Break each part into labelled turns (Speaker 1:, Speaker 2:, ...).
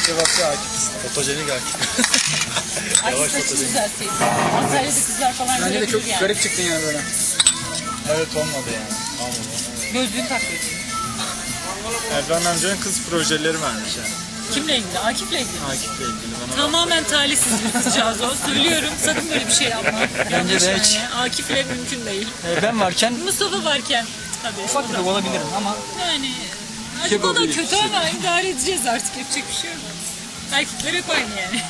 Speaker 1: cevapçı Akif.
Speaker 2: Fotojenik Akif.
Speaker 3: Akif saçını düzelteyim. Antalya'da kızlar falan
Speaker 1: Bence de
Speaker 3: görebilir
Speaker 1: çok
Speaker 3: yani.
Speaker 1: garip çıktın yani böyle.
Speaker 2: Evet olmadı yani. Olmadı.
Speaker 3: Gözlüğünü takıyorsun.
Speaker 2: Erdoğan amcanın kız projeleri varmış yani.
Speaker 3: Kimle ilgili? Akif'le ilgili.
Speaker 2: Akif'le ilgili bana.
Speaker 3: Tamamen talihsiz bir kızcağız o. Söylüyorum, sakın böyle bir şey yapma.
Speaker 1: Bence de hiç.
Speaker 3: Akif'le mümkün değil.
Speaker 1: Ben varken
Speaker 3: Mustafa varken. Tabii.
Speaker 1: ufak tefek olabilirim ama
Speaker 3: Yani acaba da
Speaker 1: Yapabiliriz.
Speaker 3: kötü ama idare edeceğiz artık. Yapacak bir şey yok. Erkekler hep aynı yani.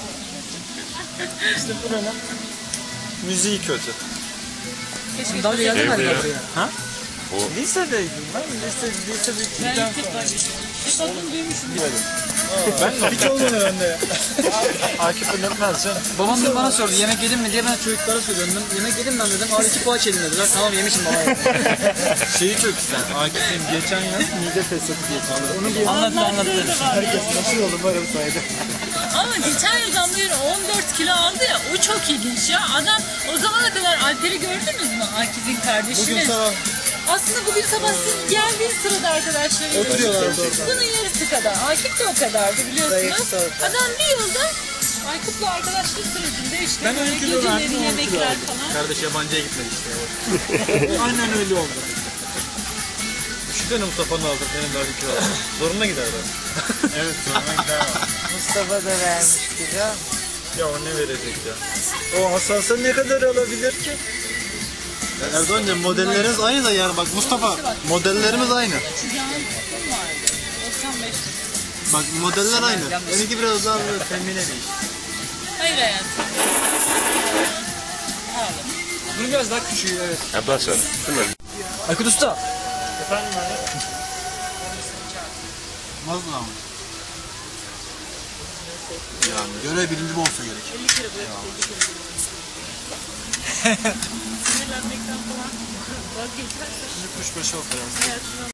Speaker 2: İşte buranın müziği kötü.
Speaker 3: Keşke
Speaker 1: daha önce geldin mi
Speaker 2: Evde ya.
Speaker 1: buraya?
Speaker 2: Ha? Lisedeydim ben. Lise
Speaker 3: ben
Speaker 2: bittikten
Speaker 3: ilk defa geçiyorum. Hep adını duymuşum.
Speaker 2: Ben de hiç olmadı bende ya. Akif öğretmez canım.
Speaker 1: Babam dün bana sordu yemek yedin mi diye, ben çocuklara söylüyorum. Yemek yedim ben dedim. Al 2 poğaç yedim dediler. Tamam yemişim baba.
Speaker 2: Şeyi çok güzel. Akif'in geçen yaz mide fesatı geçirdi. Onu bir
Speaker 1: Anlattı.
Speaker 2: herkes nasıl oldu böyle bir sayede.
Speaker 3: Ama geçen yıldan beri 14 kilo aldı ya, o çok ilginç ya. Adam o zamana kadar Alper'i gördünüz mü? Akif'in kardeşini.
Speaker 2: Bugün sabah
Speaker 3: Aslında bugün sabah siz geldiğiniz sırada arkadaşlarıyla
Speaker 2: Oturuyorlardı orada.
Speaker 3: bunun yarısı kadar. Akif de o kadardı biliyorsunuz. Adam bir yılda Aykut'la arkadaşlık sürecinde işte
Speaker 2: Ben
Speaker 3: böyle
Speaker 2: 10 kilo verdim,
Speaker 3: geceleri
Speaker 2: 10 kilo
Speaker 3: yemekler
Speaker 2: aldım.
Speaker 3: falan.
Speaker 2: Kardeş yabancıya gitmedi işte. Aynen öyle oldu. Düşünsene Mustafa'nın aldı, benim daha bir kilo aldım. Zoruna gider ben. Evet zoruna gider ama.
Speaker 4: Mustafa da vermişti ya.
Speaker 2: Ya o ne verecek ya? O hassasa ne kadar alabilir ki? Erdoğan'cığım modelleriniz aynı da yani bak Mustafa modellerimiz aynı.
Speaker 3: Şu canlı tutum vardı. 95 lira.
Speaker 2: Bak modeller aynı. Benimki biraz daha böyle femine bir iş.
Speaker 3: Hayır hayatım. Ağlam.
Speaker 1: Bunu biraz daha küçüğü evet.
Speaker 5: Ondan sonra.
Speaker 1: Aykut Usta.
Speaker 2: Efendim abi?
Speaker 6: Nasıl ama? Yani görev bilinci olsa gerek.
Speaker 3: 50 kere böyle 50 kere. Sinirlenmekten falan vazgeçersen
Speaker 2: Kuşbaşı operası.
Speaker 3: hayatına